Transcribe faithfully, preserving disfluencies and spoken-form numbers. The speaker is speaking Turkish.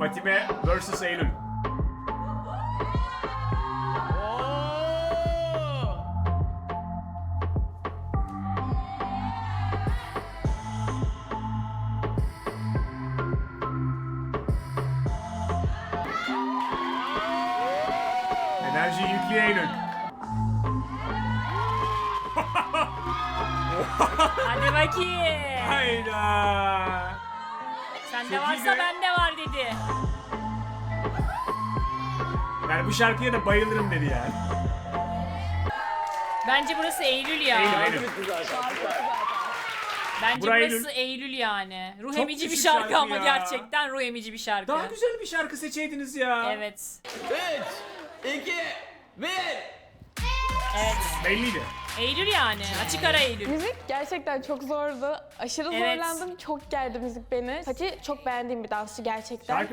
Fatime versus Eylül. Enerjiyi yüklüyor Eylül. Hadi bakayım. Hayda. Sende Çok varsa iyi be. bende var dedi. Yani bu şarkıya da bayılırım dedi yani. Bence burası Eylül ya. Eylül, Eylül. Bence Burası burası Eylül yani. Ruh Çok emici bir düşük şarkı, şarkı ama ya. gerçekten ruh emici bir şarkı. Daha güzel bir şarkı seçeydiniz ya. Evet. üç, iki, bir. Evet. Belliydi. Eylül yani. Açık ara Eylül. Müzik gerçekten çok zordu. Aşırı Evet. zorlandım. Çok gerdi müzik beni. Fatih çok beğendiğim bir dansçı gerçekten. Şarkı